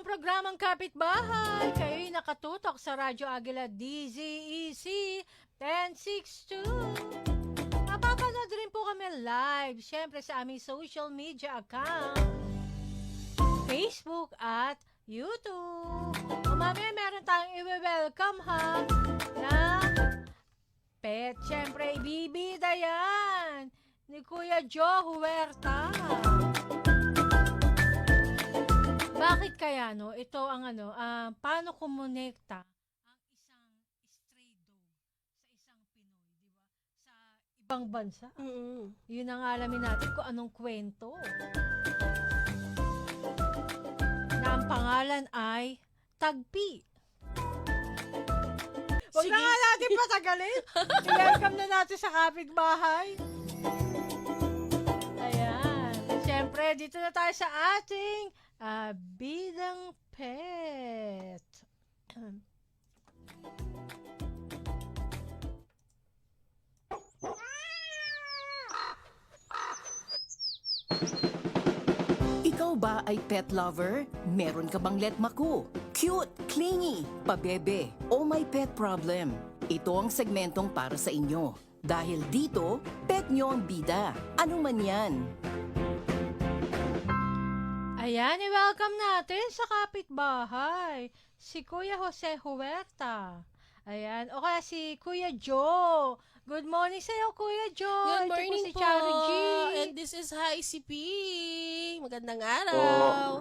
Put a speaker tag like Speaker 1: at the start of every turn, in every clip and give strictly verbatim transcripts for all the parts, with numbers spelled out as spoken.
Speaker 1: ang programang Kapitbahay. Kayo'y nakatutok sa Radyo Agila D Z E C ten sixty-two. Mapapanood rin po kami live, syempre sa aming social media account, Facebook at YouTube. O mamaya meron tayong i-welcome ha na pet. Syempre, ibibida yan ni Kuya Joe Huerta. Bakit kaya no? Ito ang ano, ah, paano kumonekta ang isang stray dog sa isang Pinoy, di ba? Sa ibang bansa.
Speaker 2: Mm.
Speaker 1: Yun ang alamin natin kung anong kwento. Na ang pangalan ay Tagpi. Huwag na
Speaker 2: Sige.
Speaker 1: nga natin patagalin. I-welcome na natin sa kapitbahay. Ayan. Siyempre, dito na tayo sa ating ah, bidang pet.
Speaker 3: Ikaw ba ay pet lover? Meron ka bang letmaku? Cute, clingy, pabebe, o may pet problem? Ito ang segmentong para sa inyo. Dahil dito, pet nyo ang bida. Ano man yan?
Speaker 1: Ayan, i-welcome natin sa kapitbahay si Kuya Jose Huerta. Ayan, o kaya si Kuya Joe. Good morning sa'yo, Kuya Joe.
Speaker 2: Good
Speaker 1: Ito
Speaker 2: morning
Speaker 1: si
Speaker 2: po.
Speaker 1: Charo G.
Speaker 2: And this is Hi C P. Magandang araw.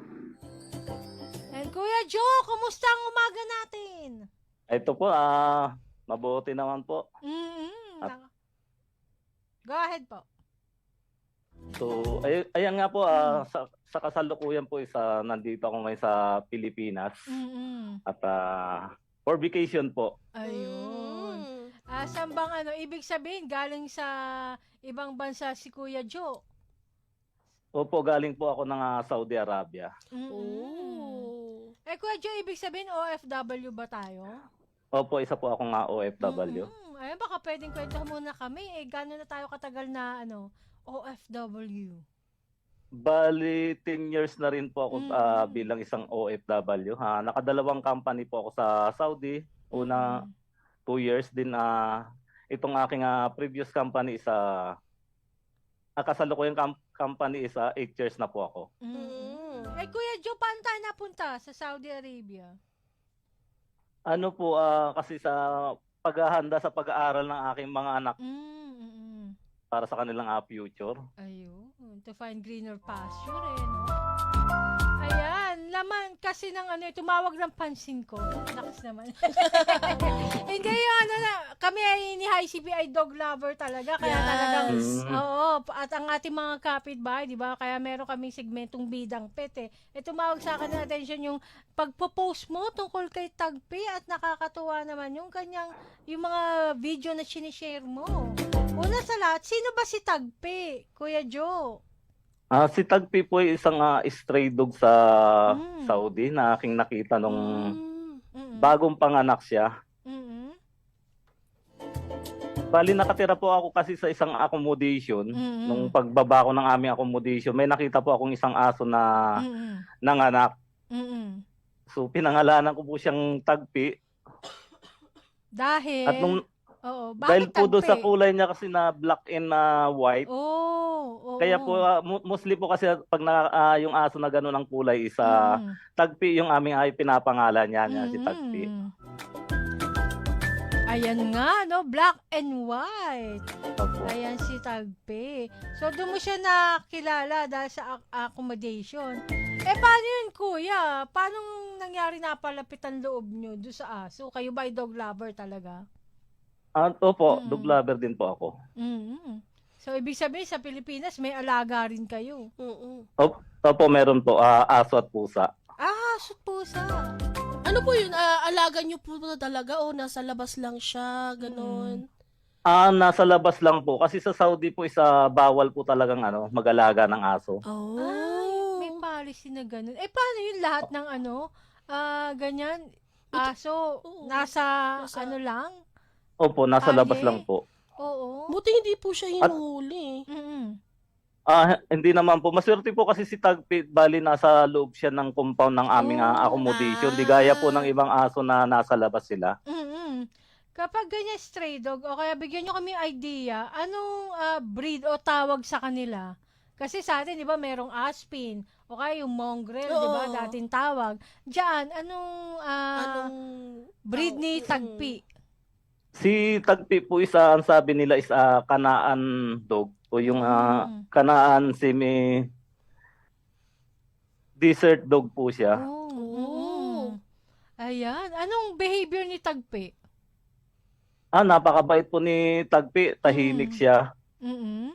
Speaker 1: And Kuya Joe, kumusta ang umaga natin?
Speaker 4: Ito po, ah, mabuti naman po.
Speaker 1: Mm-hmm.
Speaker 4: At-
Speaker 1: Go ahead po.
Speaker 4: So, ay, ayan nga po, ah, sa, sa kasalukuyan po, isa, nandito ako ngayon sa Pilipinas.
Speaker 1: Mm-hmm.
Speaker 4: At ah, for vacation po.
Speaker 1: Ayun.
Speaker 2: Mm.
Speaker 1: Ah, saan bang ano, ibig sabihin, galing sa ibang bansa si Kuya Joe?
Speaker 4: Opo, galing po ako ng ah, Saudi Arabia.
Speaker 1: Mm-hmm.
Speaker 2: Oh.
Speaker 1: Eh, Kuya Joe, ibig sabihin O F W ba tayo?
Speaker 4: Opo, isa po akong ah, O F W.
Speaker 1: Mm-hmm. Ayun, baka pwedeng kwento muna kami. Eh, gano'n na tayo katagal na, ano, O F W?
Speaker 4: Bali, ten years na rin po ako
Speaker 1: Mm.
Speaker 4: ah, bilang isang O F W. Ha. Nakadalawang company po ako sa Saudi. Una,
Speaker 1: Mm.
Speaker 4: two years din. ah itong aking ah, previous company is ah, ah, kasalukuyang com- company is ah, eight years na po ako.
Speaker 1: Mm. Eh, Kuya Joe, paano tayo napunta sa Saudi Arabia?
Speaker 4: Ano po, ah, kasi sa paghahanda sa pag-aaral ng aking mga anak
Speaker 1: Mm-mm.
Speaker 4: para sa kanilang ah, future.
Speaker 1: Ayun, to find greener pasture eh, no? Ayan, laman kasi ng ano, tumawag ng pansin ko. Nakas naman. Hindi yung ano na, kami ay ni Hi C P ay dog lover talaga. Kaya
Speaker 2: Yes.
Speaker 1: talagang,
Speaker 4: Mm.
Speaker 1: oo, at ang ating mga kapitbahay, di ba? Kaya meron kaming segmentong bidang pet eh. E tumawag sa akin ng attention yung pagpo-post mo tungkol kay Tagpi at nakakatuwa naman yung kanyang, yung mga video na sinishare mo. Una sa lahat, sino ba si Tagpi, Kuya Joe?
Speaker 4: Ah, si Tagpi po ay isang ah, stray dog sa
Speaker 1: Mm.
Speaker 4: Saudi na aking nakita nung
Speaker 2: Mm.
Speaker 1: Mm-mm.
Speaker 4: bagong panganak siya.
Speaker 1: Mm-mm.
Speaker 4: Bali, nakatira po ako kasi sa isang accommodation.
Speaker 1: Mm-mm.
Speaker 4: Nung pagbaba ko ng aming accommodation, may nakita po akong isang aso na
Speaker 1: Mm-mm.
Speaker 4: nanganak.
Speaker 1: Mm-mm.
Speaker 4: So, pinangalanan ko po siyang Tagpi.
Speaker 1: Dahil,
Speaker 4: At nung,
Speaker 1: oo,
Speaker 4: dahil
Speaker 1: bakit
Speaker 4: po doon sa
Speaker 1: Tagpi?
Speaker 4: kulay niya kasi na black and na white,
Speaker 1: Oh, oo.
Speaker 4: kaya po, ah, mo- mostly po kasi pag na, ah, yung aso na gano'n ang kulay, isa
Speaker 1: Mm.
Speaker 4: Tagpi yung aming ay pinapangalan niya, niya si Tagpi.
Speaker 1: Mm. Ayan nga, no? Black and white.
Speaker 4: Opo.
Speaker 1: Ayan si Tagpi. So, doon mo siya nakilala dahil sa ac- accommodation. Eh, paano yun, kuya? Paano nangyari napalapit ang loob nyo doon sa aso? Kayo ba ay dog lover talaga?
Speaker 4: Ah, opo,
Speaker 1: Mm.
Speaker 4: dog lover din po ako.
Speaker 1: Mm. So, ibig sabihin, sa Pilipinas, may alaga rin kayo.
Speaker 2: Mm-mm.
Speaker 4: Op, opo, meron po, ah, aso at pusa.
Speaker 1: Ah, aso at pusa.
Speaker 2: Ano po yun? Ah, alaga niyo po ba talaga o nasa labas lang siya? Ganon.
Speaker 4: Ah, nasa labas lang po. Kasi sa Saudi po, isa bawal po talagang ano, mag-alaga ng aso.
Speaker 2: Oh.
Speaker 1: Ay, may policy na ganun. Eh, paano yun lahat ng ano, ah, ganyan, aso,
Speaker 2: Oo.
Speaker 1: nasa,
Speaker 2: Nasa-
Speaker 1: ano lang?
Speaker 4: Opo, nasa
Speaker 1: Kalye?
Speaker 4: labas lang po.
Speaker 1: Oo.
Speaker 2: Buti hindi po siya hinuhuli.
Speaker 1: Mm-mm.
Speaker 4: Ah, hindi naman po. Maswerte po kasi si Tagpi, bali nasa loob siya ng compound ng aming ah,
Speaker 1: Oh.
Speaker 4: accommodation. Di gaya po ng ibang aso na nasa labas sila.
Speaker 1: Mm. Kapag ganyan stray dog, o kaya bigyan nyo kami idea, anong ah, breed o tawag sa kanila? Kasi sa atin, di ba, merong Aspin, o kaya yung Mongrel, di ba,
Speaker 2: Oo.
Speaker 1: dating tawag. Diyan, anong ah,
Speaker 2: Anong
Speaker 1: breed
Speaker 2: taw-
Speaker 1: ni
Speaker 2: Mm.
Speaker 1: Tagpi?
Speaker 4: Si Tagpi po isa, ang sabi nila is ah, Kanaan dog o yung ah,
Speaker 1: Mm.
Speaker 4: Kanaan semi desert dog po siya.
Speaker 1: Oh.
Speaker 2: Oh.
Speaker 1: mm. Ayan. Anong behavior ni Tagpi?
Speaker 4: Ah, napakabait po ni Tagpi, tahimik
Speaker 1: Mm.
Speaker 4: siya.
Speaker 1: Mm-mm.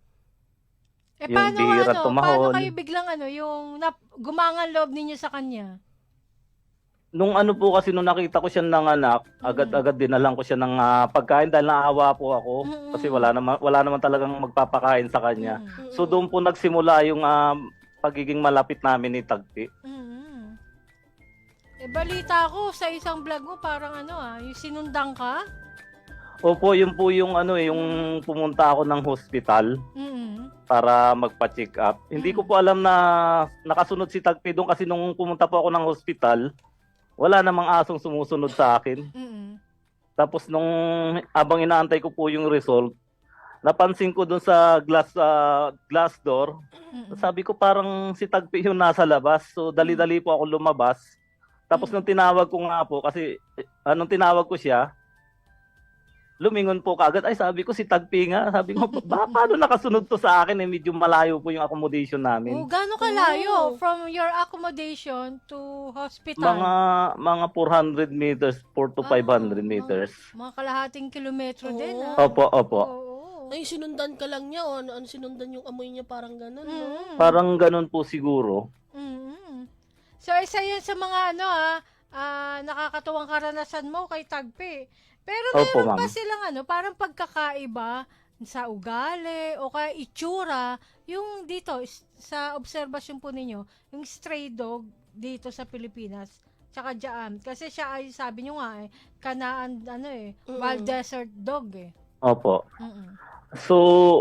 Speaker 1: Eh,
Speaker 4: Yung
Speaker 1: paano,
Speaker 4: bihira
Speaker 1: ano, paano
Speaker 4: tumahol.
Speaker 1: kayo biglang, ano, yung nap- gumangan loob ninyo sa kanya?
Speaker 4: Nung ano po kasi nung nakita ko siya nanganak, agad-agad dinalan ko siya ng ah, pagkain dahil naawa po ako
Speaker 1: Mm-mm.
Speaker 4: kasi wala naman wala naman talagang magpapakain sa kanya.
Speaker 1: Mm.
Speaker 4: So doon po nagsimula yung ah, pagiging malapit namin ni Tagpi.
Speaker 1: Mm. Eh, balita ko sa isang vlog mo, parang ano ah, yung sinundang ka?
Speaker 4: Opo, yun po yung ano eh, yung pumunta ako ng hospital
Speaker 1: Mm.
Speaker 4: para magpa-check up. Hindi ko po alam na nakasunod si Tagpi doon kasi nung pumunta po ako ng hospital, wala namang asong sumusunod sa akin.
Speaker 1: Mm.
Speaker 4: Tapos nung abang inaantay ko po yung result, napansin ko doon sa glass ah, glass door,
Speaker 1: Mm.
Speaker 4: sabi ko parang si Tagpi yung nasa labas. So dali-dali po ako lumabas. Tapos nung tinawag ko nga po, kasi eh, anong tinawag ko siya, lumingon po kaagad. Ay, sabi ko si Tagpi nga. Sabi ko, ba, paano nakasunod to sa akin? Eh, medyo malayo po yung accommodation
Speaker 1: Oh,
Speaker 4: namin.
Speaker 1: gaano kalayo
Speaker 2: Oh.
Speaker 1: from your accommodation to hospital?
Speaker 4: Mga mga four hundred meters, four to five hundred
Speaker 1: Ah,
Speaker 4: meters.
Speaker 1: Mga kalahating kilometro din
Speaker 2: Oo.
Speaker 1: ah.
Speaker 4: Opo, opo.
Speaker 1: Oo.
Speaker 2: Ay, sinundan ka lang niya, o ano, ano sinundan yung amoy niya, parang ganun, no?
Speaker 1: Mm.
Speaker 4: Parang ganun po siguro.
Speaker 1: Mm. So, isa yan sa mga ano ah, ah, nakakatuwang karanasan mo kay Tagpi. Pero
Speaker 4: Opo,
Speaker 1: meron pa
Speaker 4: ma'am.
Speaker 1: silang ano, parang pagkakaiba sa ugali o kaya itsura, yung dito is- sa obserbasyon po ninyo, yung stray dog dito sa Pilipinas, tsaka diyan. Kasi siya ay sabi nyo nga eh, kanaan ano eh,
Speaker 2: Mm.
Speaker 1: wild desert dog eh.
Speaker 4: Opo.
Speaker 1: Mm-mm.
Speaker 4: So,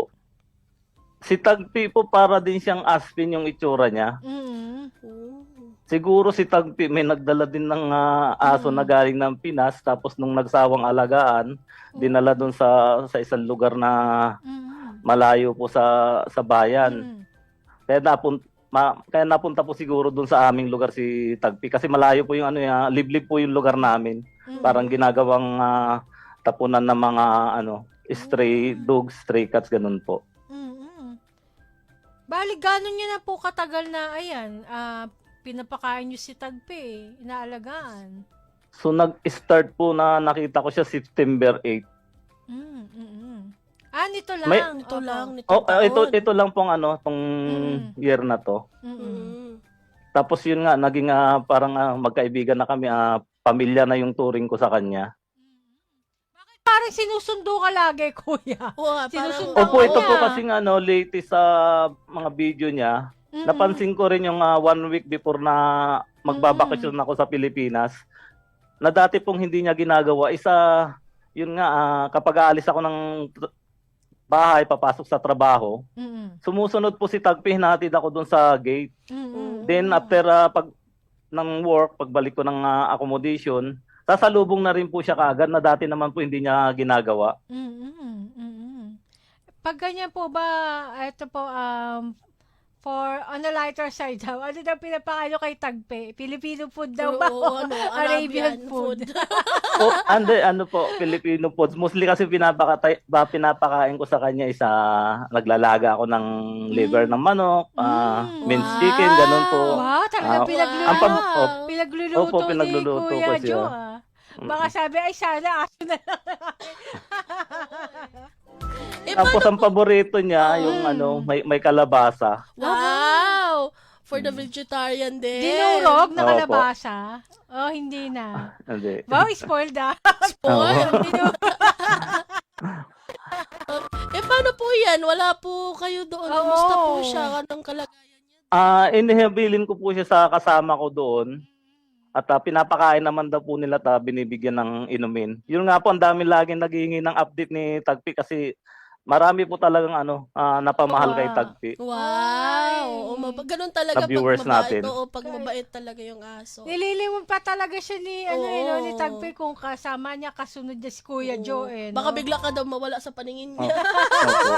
Speaker 4: si Tagpi po para din siyang aspin yung itsura niya.
Speaker 1: Mm-mm.
Speaker 2: Oh.
Speaker 4: Siguro si Tagpi may nagdala din ng ah, aso
Speaker 1: Mm.
Speaker 4: na galing ng Pinas tapos nung nagsawang alagaan, dinala doon sa sa isang lugar na
Speaker 1: Mm-mm.
Speaker 4: malayo po sa sa bayan.
Speaker 1: Mm-mm.
Speaker 4: Kaya napun ma, kaya napunta po siguro doon sa aming lugar si Tagpi kasi malayo po yung ano ya, liblib po yung lugar namin.
Speaker 1: Mm-mm.
Speaker 4: Parang ginagawang ah, tapunan ng mga ano, stray dogs, stray cats ganun po.
Speaker 1: Mm-mm. Bali, gano'n nyo na po katagal na, ayan, ah, pinapakain nyo si Tagpi, eh, inaalagaan.
Speaker 4: So nag-start po na nakita ko siya September eighth.
Speaker 1: Mm, mm, mm. Ah, nito lang.
Speaker 4: May-
Speaker 2: Ito
Speaker 1: Opo.
Speaker 2: lang, nito
Speaker 4: Oh, ah, ito
Speaker 2: taon.
Speaker 4: ito lang pong ano, tong
Speaker 1: Mm.
Speaker 4: year na to.
Speaker 1: Mm-mm.
Speaker 2: Mm.
Speaker 4: Tapos yun nga naging ah, parang ah, magkaibigan na kami, ah, pamilya na yung turing ko sa kanya.
Speaker 1: Parang sinusundo ka lagi, kuya.
Speaker 2: Oo, nga, parang,
Speaker 1: Sinusundan
Speaker 4: Opo, ito po
Speaker 1: niya.
Speaker 4: kasi nga no, latest sa mga video niya,
Speaker 1: Mm-mm.
Speaker 4: napansin ko rin yung ah, one week before na magbabakasyon ako sa Pilipinas, na dati pong hindi niya ginagawa. Isa, yun nga, ah, kapag aalis ako ng tr- bahay, papasok sa trabaho,
Speaker 1: Mm-mm.
Speaker 4: sumusunod po si Tagpi, hinatid ako doon sa gate.
Speaker 1: Mm-mm.
Speaker 4: Then after ah, pag ng work, pagbalik ko ng ah, accommodation, sasalubong na rin po siya kaagad na dati naman po hindi niya ginagawa.
Speaker 1: Mm-mm. Mm-mm. Pag ganyan po ba, ito po, um, for on the lighter side daw, ano daw pinapakain nyo kay Tagpi? Filipino food daw ba?
Speaker 2: Oo, ano, Arabian food.
Speaker 4: O, ande, ano po, Filipino foods. Mostly kasi pinapakatay, ba, pinapakain ko sa kanya isa, naglalaga ako ng liver ng manok, ah,
Speaker 1: Mm.
Speaker 4: minced
Speaker 2: Wow.
Speaker 4: chicken, ganun po.
Speaker 1: Wow, talaga
Speaker 4: Ah,
Speaker 1: pinagluluto.
Speaker 4: ang pam- oh,
Speaker 1: Pinagluluto
Speaker 4: Opo, pinagluluto
Speaker 1: ni
Speaker 4: ko
Speaker 1: Kuya
Speaker 4: siya.
Speaker 1: Jo, ah. Baka sabi, ay sana aso na lang.
Speaker 2: Eh,
Speaker 4: Tapos
Speaker 2: paano
Speaker 4: ang paborito niya,
Speaker 1: Mm.
Speaker 4: yung ano, may, may kalabasa.
Speaker 2: Wow! For the vegetarian din.
Speaker 1: Dinurog na
Speaker 4: Opo.
Speaker 1: kalabasa? Oh, hindi na.
Speaker 4: Hindi.
Speaker 1: Wow, spoiled ah.
Speaker 2: Spoil.
Speaker 1: Dinurog.
Speaker 2: Eh, paano po yan? Wala po kayo doon.
Speaker 1: Oo.
Speaker 2: Kamusta po siya? Anong kalagayan niya?
Speaker 4: Ah, inihabilin ko po siya sa kasama ko doon. At ah, pinapakain naman daw po nila ta binibigyan ng inumin. Yun nga po, ang dami laging naghihingi ng update ni Tagpi kasi marami po talagang ano, ah, napamahal kay
Speaker 1: Wow.
Speaker 4: Tagpi.
Speaker 2: Wow!
Speaker 1: Ay.
Speaker 2: Oo, mab- ganun talaga
Speaker 4: Sa viewers
Speaker 2: pag mabait.
Speaker 4: natin.
Speaker 2: Oo, pag mabait talaga yung aso.
Speaker 1: Nililimon pa talaga siya ni, ano, eh, no, ni
Speaker 2: Oo.
Speaker 1: Tagpi kung kasama niya, kasunod niya si Kuya
Speaker 2: Oo.
Speaker 1: Joe, eh, no?
Speaker 2: Baka bigla ka daw mawala sa paningin
Speaker 4: Oh.
Speaker 2: niya.
Speaker 4: Opo.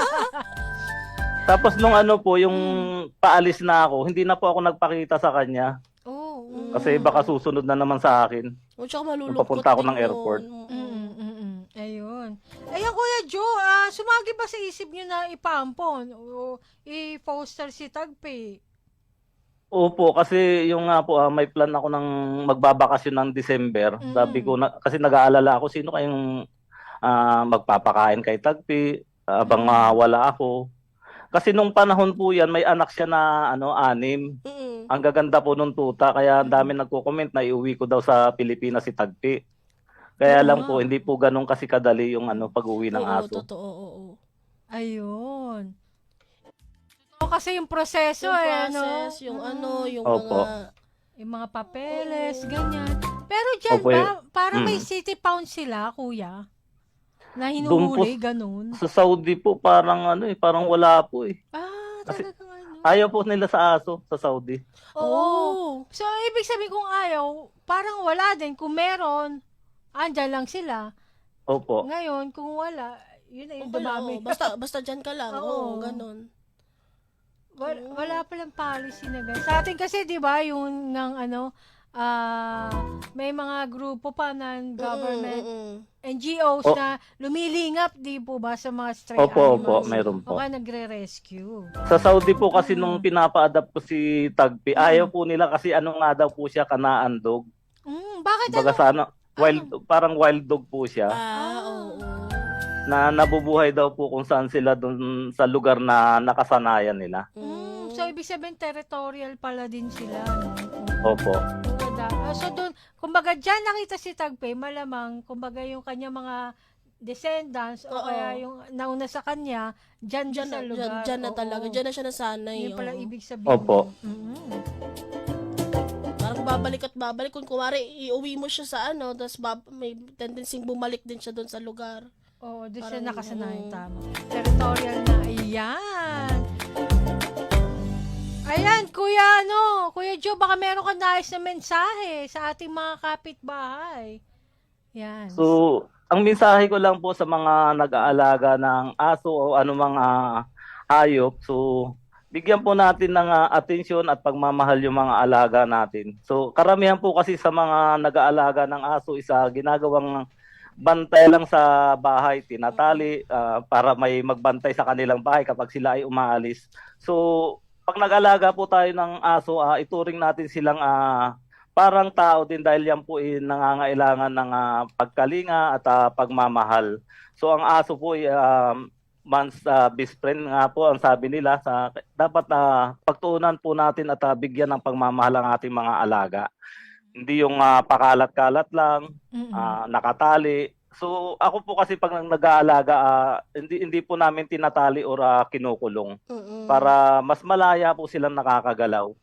Speaker 4: Tapos nung ano po, yung
Speaker 1: Hmm.
Speaker 4: paalis na ako, hindi na po ako nagpakita sa kanya.
Speaker 1: Oo. oo.
Speaker 4: Kasi baka susunod na naman sa akin.
Speaker 2: O, tsaka malulungkot
Speaker 4: papunta ako
Speaker 2: din
Speaker 4: ng airport.
Speaker 2: yun.
Speaker 1: Mm, mm, mm. Ayun. Ayun, Kuya Joe, ah, sumagi ba sa isip niyo na ipampon o i-foster si Tagpi?
Speaker 4: Opo, kasi yung nga po, ah, may plan ako ng magbabakasyon ng December.
Speaker 1: Mm.
Speaker 4: Sabi ko, na, kasi nag-aalala ako, sino kayong ah, magpapakain kay Tagpi habang
Speaker 1: Mm.
Speaker 4: ah, wala ako. Kasi nung panahon po yan, may anak siya na ano, anim.
Speaker 2: Mm-mm.
Speaker 4: Ang gaganda po nung tuta, kaya ang dami nagko-comment na iuwi ko daw sa Pilipinas si Tagpi. Kaya
Speaker 1: Oo
Speaker 4: lang
Speaker 1: nga.
Speaker 4: po, hindi po ganun kasi kadali yung ano, pag-uwi ng
Speaker 2: Oo,
Speaker 4: aso.
Speaker 2: totoo, oo.
Speaker 1: Ayun. Totoo kasi yung proseso,
Speaker 2: Yung
Speaker 1: eh,
Speaker 2: process,
Speaker 1: no?
Speaker 2: yung
Speaker 1: Mm.
Speaker 2: ano, yung
Speaker 4: Opo.
Speaker 2: mga...
Speaker 1: Yung mga papeles, ganyan. Pero dyan
Speaker 4: Opo,
Speaker 1: ba, parang may
Speaker 4: Mm.
Speaker 1: city pound sila, kuya? Na
Speaker 4: Doon po-
Speaker 1: hinuhuli, ganun.
Speaker 4: Sa Saudi po, parang ano eh, parang wala po eh.
Speaker 1: Ah,
Speaker 4: Kasi-
Speaker 1: talagang ano.
Speaker 4: Ayaw po nila sa aso sa Saudi.
Speaker 1: Oo. So, ibig sabihin kung ayaw, parang wala din. Kung meron, andyan lang sila.
Speaker 4: Opo.
Speaker 1: Ngayon, kung wala, yun na yung
Speaker 2: Wala,
Speaker 1: dumami.
Speaker 2: oo. Basta, basta dyan ka lang.
Speaker 1: Oo.
Speaker 2: Oo, ganun.
Speaker 1: Wala, wala palang policy na ganun. Sa atin kasi, di ba, yung ng ano, ah, may mga grupo pa ng government,
Speaker 2: Mm-mm, mm-mm.
Speaker 1: N G Os
Speaker 4: O-
Speaker 1: na lumilingap, di po ba, sa mga stray
Speaker 4: Opo, opo,
Speaker 1: animals.
Speaker 4: meron
Speaker 1: O
Speaker 4: po.
Speaker 1: kaya nagre-rescue.
Speaker 4: Sa Saudi po kasi
Speaker 1: Mm.
Speaker 4: nung pinapa-adapt ko si Tagpi, ayaw po nila kasi ano nga daw po siya, kanaan dog.
Speaker 1: Mm, bakit
Speaker 4: Kumbaga
Speaker 1: ano?
Speaker 4: sa ano, wild, parang wild dog po siya.
Speaker 2: Ah, oo.
Speaker 4: Na nabubuhay daw po kung saan sila dun sa lugar na nakasanayan nila.
Speaker 1: Mm, so, ibig sabihin, territorial pala din sila. No?
Speaker 4: Opo.
Speaker 1: Oo, da- ah, so, doon, kumbaga, dyan nakita si Tagpi, malamang, kumbaga, yung kanya mga descendants, o
Speaker 2: Oo.
Speaker 1: kaya yung nauna sa kanya, dyan, dyan
Speaker 2: Dyan na,
Speaker 1: sa
Speaker 2: dyan,
Speaker 1: lugar.
Speaker 2: dyan na
Speaker 1: Oo.
Speaker 2: talaga. Dyan na siya nasanay.
Speaker 1: Yun pala
Speaker 2: oo.
Speaker 1: ibig sabihin.
Speaker 4: Opo.
Speaker 1: Mm.
Speaker 2: Parang babalik at babalik. Kung kumari, iuwi mo siya sa ano, tapos bab- may tendency bumalik din siya doon sa lugar.
Speaker 1: Oo, doon siya
Speaker 2: Parang,
Speaker 1: nakasanayan,
Speaker 2: oo.
Speaker 1: tama. Territorial na, ayan. Ayan, Kuya, ano, Kuya Joe, baka meron ka nais na mensahe sa ating mga kapitbahay. Yan.
Speaker 4: So, ang mensahe ko lang po sa mga nag-aalaga ng aso o anumang ah, hayop, so bigyan po natin ng ah, atensyon at pagmamahal yung mga alaga natin. So, karamihan po kasi sa mga nag-aalaga ng aso isa ginagawang bantay lang sa bahay, tinatali ah, para may magbantay sa kanilang bahay kapag sila ay umaalis. So, pag nag-alaga po tayo ng aso, ah, ituring natin silang ah, parang tao din dahil yan po ay nangangailangan ng ah, pagkalinga at ah, pagmamahal. So ang aso po ay um, man's ah, best friend nga po ang sabi nila. Sa, dapat na pagtuunan po natin at ah, bigyan ng pagmamahal ang ating mga alaga. Hindi yung ah, pakalat-kalat lang,
Speaker 1: Mm-mm.
Speaker 4: ah, nakatali. So ako po kasi pag nag-aalaga, ah, hindi, hindi po namin tinatali or ah, kinukulong
Speaker 2: Mm-mm.
Speaker 4: para mas malaya po silang nakakagalaw.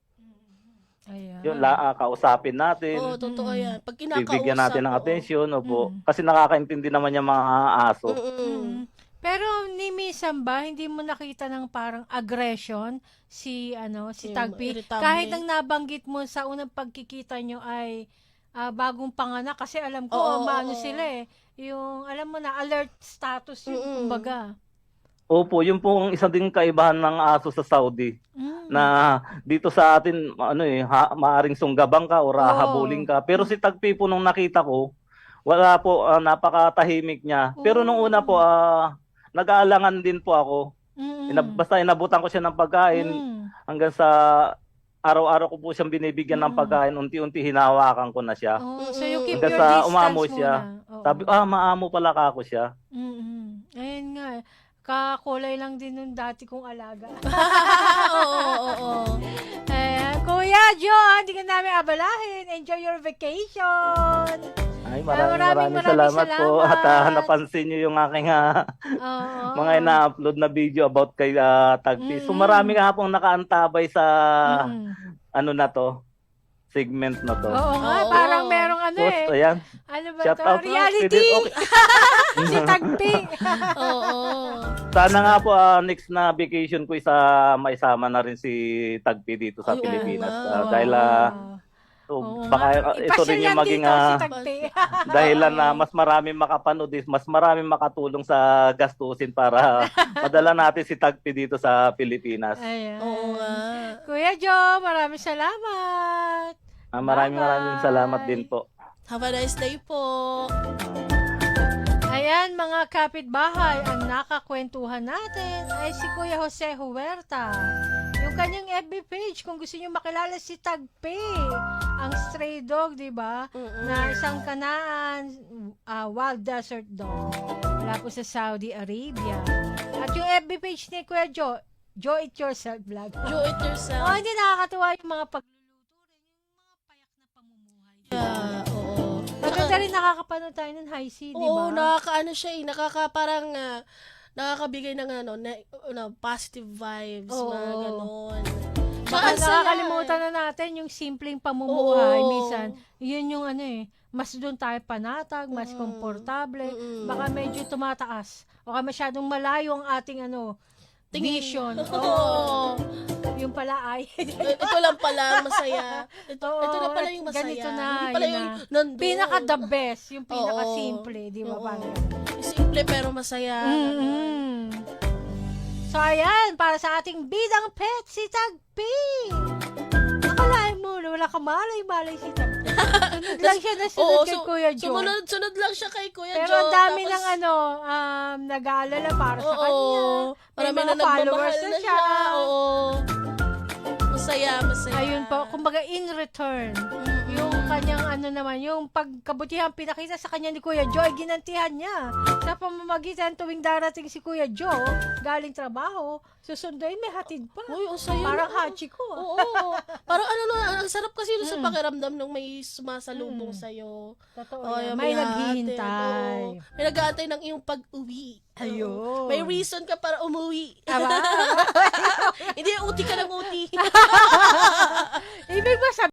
Speaker 1: Ayan.
Speaker 4: Yun, la, ah, kausapin natin.
Speaker 2: Oo, totoo
Speaker 1: Mm.
Speaker 2: yan. Pag kinakausap,
Speaker 4: Bibigyan natin ng
Speaker 2: oo.
Speaker 4: atensyon, opo.
Speaker 1: Mm.
Speaker 4: Kasi nakakaintindi naman yung mga aso.
Speaker 2: Mm-mm.
Speaker 1: Mm. Pero ni minsan ba hindi mo nakita ng parang aggression si ano si
Speaker 2: Yung
Speaker 1: Tagpi
Speaker 2: irritable.
Speaker 1: kahit ang nabanggit mo sa unang pagkikita nyo ay ah, bagong panganak kasi alam ko
Speaker 2: Oo,
Speaker 1: maano
Speaker 2: oo.
Speaker 1: sila eh yung alam mo na alert status yung
Speaker 2: Mm-mm.
Speaker 1: kumbaga.
Speaker 4: Opo, yun po ang isa ding kaibahan ng aso sa Saudi.
Speaker 1: Mm.
Speaker 4: Na dito sa atin, ano eh, ha, maaring sunggabang ka o hahabulin ka. Pero si Tagpi po nung nakita ko, wala po, ah, napakatahimik niya. Pero nung una po, ah, nag-aalangan din po ako.
Speaker 1: Mm.
Speaker 4: Inab- basta inabutan ko siya ng pagkain
Speaker 1: Mm.
Speaker 4: hanggang sa araw-araw ko po siyang binibigyan ng
Speaker 1: Mm.
Speaker 4: pagkain. Unti-unti hinawakan ko na siya.
Speaker 1: Oh, so you keep
Speaker 4: Hanggang
Speaker 1: your
Speaker 4: sa
Speaker 1: distance
Speaker 4: umamo
Speaker 1: muna.
Speaker 4: siya.
Speaker 1: Oo.
Speaker 4: Sabi, ah, maamo pala ka ako siya.
Speaker 1: Mm-mm. Ayun nga eh. Kakulay lang din nung dati kong alaga.
Speaker 2: Oo, oo, oo.
Speaker 1: Ayan. Kuya John, hindi ka namin abalahin. Enjoy your vacation.
Speaker 4: Ay,
Speaker 1: maraming,
Speaker 4: maraming maraming,
Speaker 1: maraming
Speaker 4: salamat, po.
Speaker 1: salamat.
Speaker 4: At ah, napansin niyo yung aking ah,
Speaker 1: Oo.
Speaker 4: mga ina-upload na video about kay ah, Tagpi. So
Speaker 1: Mm.
Speaker 4: marami nga pong nakaantabay sa
Speaker 1: Mm.
Speaker 4: ano na to, segment na to.
Speaker 1: Oo nga,
Speaker 2: Oo.
Speaker 1: parang merong ano
Speaker 4: Post,
Speaker 1: eh.
Speaker 4: ayan.
Speaker 1: Ano ba
Speaker 4: Shout
Speaker 1: to?
Speaker 4: out.
Speaker 1: Reality.
Speaker 4: Okay.
Speaker 1: Si Tagpi.
Speaker 2: Oo.
Speaker 4: Sana nga po ah, next na vacation ko isa maisama na rin si Tagpi dito sa
Speaker 2: Ay, oo
Speaker 4: Pilipinas.
Speaker 2: nga.
Speaker 4: Ah, dahil ah, so,
Speaker 1: Oo
Speaker 4: baka
Speaker 1: nga.
Speaker 4: ah, ito
Speaker 1: Ipasyal
Speaker 4: rin
Speaker 1: yan
Speaker 4: yung maging
Speaker 1: dito, si
Speaker 4: ah,
Speaker 1: Tagpi.
Speaker 4: dahilan na mas maraming makapanood, is mas maraming makatulong sa gastusin para madala natin si Tagpi dito sa Pilipinas.
Speaker 1: Ayan.
Speaker 2: Oo nga.
Speaker 1: Kuya Joe, maraming salamat.
Speaker 4: Ah, maraming maraming
Speaker 1: Bye-bye.
Speaker 4: salamat din po.
Speaker 2: Have a nice day po.
Speaker 1: Ayan mga kapitbahay, ang nakakwentuhan natin ay si Kuya Jose Huerta. Yung kanyang F B page, kung gusto niyo makilala si Tagpi, ang stray dog, di ba?
Speaker 2: Mm-mm.
Speaker 1: Na isang kanaan, ah, wild desert dog. Wala po sa Saudi Arabia. At yung F B page ni Kuya Joe, Joe It Yourself Vlog.
Speaker 2: Do it yourself.
Speaker 1: Oh, hindi nakakatuwa yung mga pagluluto rin, yung mga payak na pamumuhay.
Speaker 2: Yeah, oo.
Speaker 1: Maganda rin nakakapanood tayo ng high C, di
Speaker 2: Oo,
Speaker 1: ba?
Speaker 2: nakakaano siya eh. Nakaka parang ah, nakakabigay ng ano, na, ano, positive vibes,
Speaker 1: Oo.
Speaker 2: mga ganon.
Speaker 1: Baka
Speaker 2: Tsaka ang saya,
Speaker 1: nakakalimutan
Speaker 2: eh.
Speaker 1: na natin yung simpleng pamumuhay.
Speaker 2: Oo.
Speaker 1: Minsan, yun yung ano eh, mas doon tayo panatag, mas
Speaker 2: Mm.
Speaker 1: komportable,
Speaker 2: Mm-mm.
Speaker 1: baka medyo tumataas. O kaya masyadong malayo ang ating ano,
Speaker 2: Tingin.
Speaker 1: vision.
Speaker 2: Oo.
Speaker 1: Oo. Yung pala ay.
Speaker 2: Ito lang pala, masaya. Ito,
Speaker 1: Oo,
Speaker 2: ito na pala yung masaya.
Speaker 1: ganito na,
Speaker 2: Hindi pala
Speaker 1: yun
Speaker 2: yung
Speaker 1: na.
Speaker 2: nandun.
Speaker 1: Pinaka the best, yung pinaka
Speaker 2: Oo.
Speaker 1: simple, di ba?
Speaker 2: Oo.
Speaker 1: Parang
Speaker 2: Simple pero masaya.
Speaker 1: Mm-mm. So, ayan, para sa ating bidang pet, si Tagpi. Nakalain mo na wala ka malay-malay si Tagpi. Sunod lang siya na sunod
Speaker 2: Oo,
Speaker 1: kay
Speaker 2: su-
Speaker 1: Kuya Joe.
Speaker 2: Sumunod, sunod lang siya kay Kuya
Speaker 1: Pero
Speaker 2: Joe.
Speaker 1: ang dami
Speaker 2: tapos-
Speaker 1: ng ano, um, nag-aalala para sa
Speaker 2: Oo.
Speaker 1: kanya. May
Speaker 2: Marami
Speaker 1: mga
Speaker 2: na
Speaker 1: followers
Speaker 2: nagmamahal
Speaker 1: na
Speaker 2: na
Speaker 1: siya.
Speaker 2: siya. Oo. Masaya, masaya.
Speaker 1: Ayun po, kumbaga in return,
Speaker 2: Mm-mm.
Speaker 1: yung kanyang ano naman, yung pagkabutihan pinakita sa kanya ni Kuya Joe, ay ginantihan niya. Sa pamamagitan tuwing darating si Kuya Joe, galing trabaho, susunduin may hatid pa.
Speaker 2: Uy, ang saya.
Speaker 1: Parang
Speaker 2: no?
Speaker 1: Hachiko. ah.
Speaker 2: Oo. Parang ano no, ang sarap kasi doon sa
Speaker 1: Mm.
Speaker 2: pakiramdam nung may sumasalubong
Speaker 1: Mm.
Speaker 2: sa'yo.
Speaker 1: Totoo
Speaker 2: Oh,
Speaker 1: yan.
Speaker 2: yung
Speaker 1: May
Speaker 2: hatid.
Speaker 1: naghihintay.
Speaker 2: Oo. May nag-aantay ng iyong pag-uwi.
Speaker 1: Ayun.
Speaker 2: Oo. May reason ka para umuwi.
Speaker 1: Aba,
Speaker 2: Hindi, uti ka ng uti.